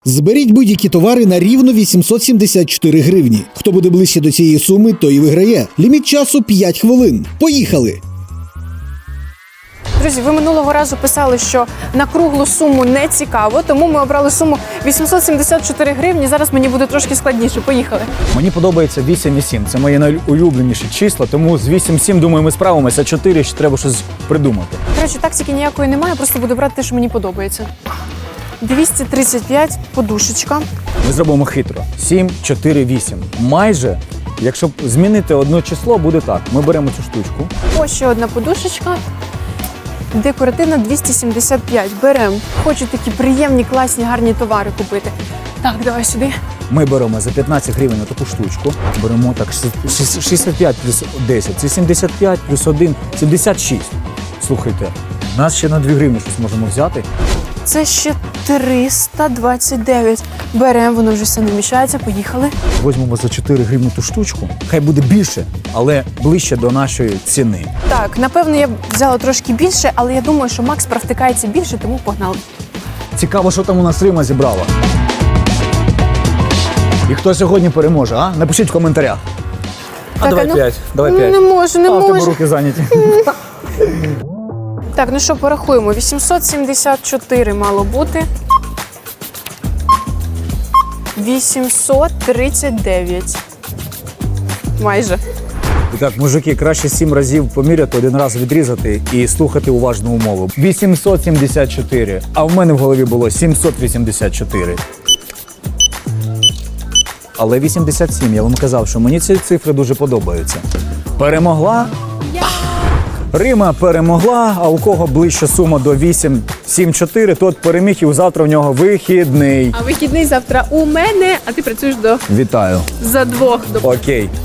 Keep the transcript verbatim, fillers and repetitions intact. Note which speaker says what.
Speaker 1: Зберіть будь-які товари на рівно вісімсот сімдесят чотири гривні. Хто буде ближче до цієї суми, той і виграє. Ліміт часу п'ять хвилин. Поїхали!
Speaker 2: Друзі, ви минулого разу писали, що на круглу суму не цікаво, тому ми обрали суму вісімсот сімдесят чотири гривні. Зараз мені буде трошки складніше. Поїхали.
Speaker 3: Мені подобається вісім і сім. Це мої найулюбленіші числа, тому з вісім сім, думаю, ми справимося, чотири ще треба щось придумати.
Speaker 2: Коротше, тактики ніякої немає, просто буду брати те, що мені подобається. двісті тридцять п'ять подушечка.
Speaker 3: Ми зробимо хитро. сім, чотири, вісім. Майже, якщо змінити одне число, буде так. Ми беремо цю штучку.
Speaker 2: Ось ще одна подушечка. Декоративна двісті сімдесят п'ять. Беремо. Хочу такі приємні, класні, гарні товари купити. Так, давай сюди.
Speaker 3: Ми беремо за п'ятнадцять гривень на таку штучку. Беремо так шістдесят п'ять плюс десять. Це сімдесят п'ять плюс один, сімдесят шість. Слухайте, нас ще на дві гривні щось можемо взяти.
Speaker 2: Це ще триста двадцять дев'ять. Беремо, воно вже все не мішається. Поїхали.
Speaker 3: Візьмемо за чотири гривні ту штучку. Хай буде більше, але ближче до нашої ціни.
Speaker 2: Так, напевно, я б взяла трошки більше, але я думаю, що Макс провтикається більше, тому погнали.
Speaker 3: Цікаво, що там у нас Рима зібрала. І хто сьогодні переможе, а? Напишіть в коментарях. А
Speaker 2: Так,
Speaker 3: давай
Speaker 2: а ну,
Speaker 3: п'ять. Давай
Speaker 2: ну,
Speaker 3: п'ять.
Speaker 2: не можу, не
Speaker 3: а, в тебе
Speaker 2: можу.
Speaker 3: руки зайняті.
Speaker 2: Так, ну що, порахуємо. вісімсот сімдесят чотири мало бути. вісімсот тридцять дев'ять. Майже.
Speaker 3: І так, мужики, краще сім разів поміряти, один раз відрізати і слухати уважну умову. вісімсот сімдесят чотири, а в мене в голові було сімсот вісімдесят чотири. Але вісімдесят сім, я вам казав, що мені ці цифри дуже подобаються. Перемогла? Рима перемогла, а у кого ближча сума до вісім сім чотири, тот переміг, і завтра в нього вихідний.
Speaker 2: А вихідний завтра у мене, а ти працюєш до
Speaker 3: Вітаю.
Speaker 2: за двох. До...
Speaker 3: Окей.